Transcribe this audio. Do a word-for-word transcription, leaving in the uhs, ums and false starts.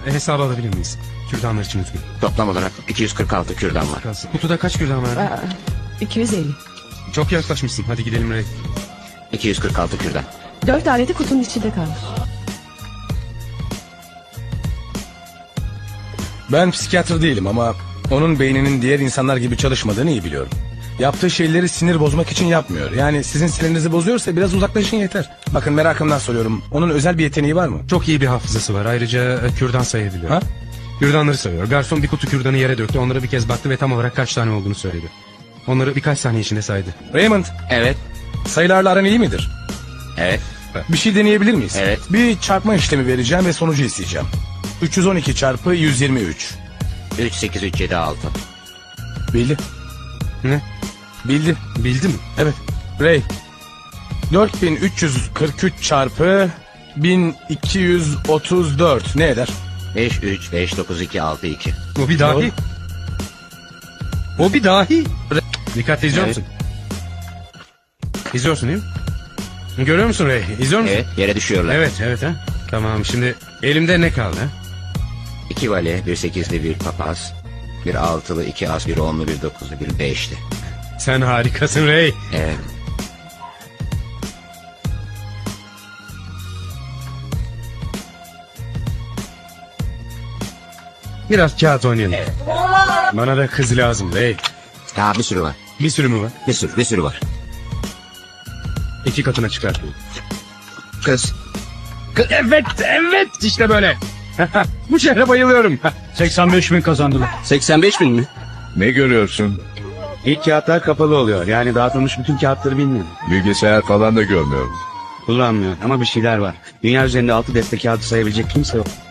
hesabı alabilir miyiz? Kürdanlar için lütfen. Toplam olarak iki yüz kırk altı kürdan var. Kalsın. Kutuda kaç kürdan var? Aa, iki yüz elli. Çok yaklaşmışsın. Hadi gidelim Ray. iki yüz kırk altı kürdan. Dört aleti kutunun içinde kalmış. Ben psikiyatr değilim ama onun beyninin diğer insanlar gibi çalışmadığını iyi biliyorum. Yaptığı şeyleri sinir bozmak için yapmıyor. Yani sizin sinirinizi bozuyorsa biraz uzaklaşın yeter. Bakın merakımdan soruyorum. Onun özel bir yeteneği var mı? Çok iyi bir hafızası var. Ayrıca e, kürdan sayabiliyor. Ha? Kürdanları sayıyor. Garson bir kutu kürdanı yere döktü. Onlara bir kez baktı ve tam olarak kaç tane olduğunu söyledi. Onları birkaç saniye içinde saydı. Raymond, Evet. sayılarla aran iyi midir? Evet. Bir şey deneyebilir miyiz? Evet. Bir çarpma işlemi vereceğim ve sonucu isteyeceğim. üç yüz on iki çarpı yüz yirmi üç. üç sekiz üç yedi altı. Bildi. Ne? Bildi. Bildi mi? Evet. Ray. dört bin üç yüz kırk üç çarpı bin iki yüz otuz dört ne eder? beş üç beş dokuz iki altı iki. O bir dahi. O bir dahi. Dikkatli izliyor Evet. musun? İzliyorsun değil mi? Görüyor musun Ray? İzliyor musun? Evet, yere düşüyorlar. Evet, evet ha. Tamam, şimdi elimde ne kaldı ha? İki vale, bir sekizli, bir papaz. Bir altılı, iki as, bir onlu, bir dokuzlu, bir beşli. Sen harikasın Ray. Evet. Biraz kağıt oynayalım. Bana da kız lazım Ray. Daha bir sürü var. Bir sürü mü var? Bir sürü, bir sürü var. İki katına çıkar. Kız. Evet, evet işte böyle. Bu şehre bayılıyorum. seksen beş bin kazandılar. seksen beş bin mi? Ne görüyorsun? İlk kağıtlar kapalı oluyor. Yani dağıtılmış bütün kağıtları bilmiyorum. Bilgisayar falan da görmüyorum. Kullanmıyor ama bir şeyler var. Dünya üzerinde altı deste kağıdı sayabilecek kimse yok.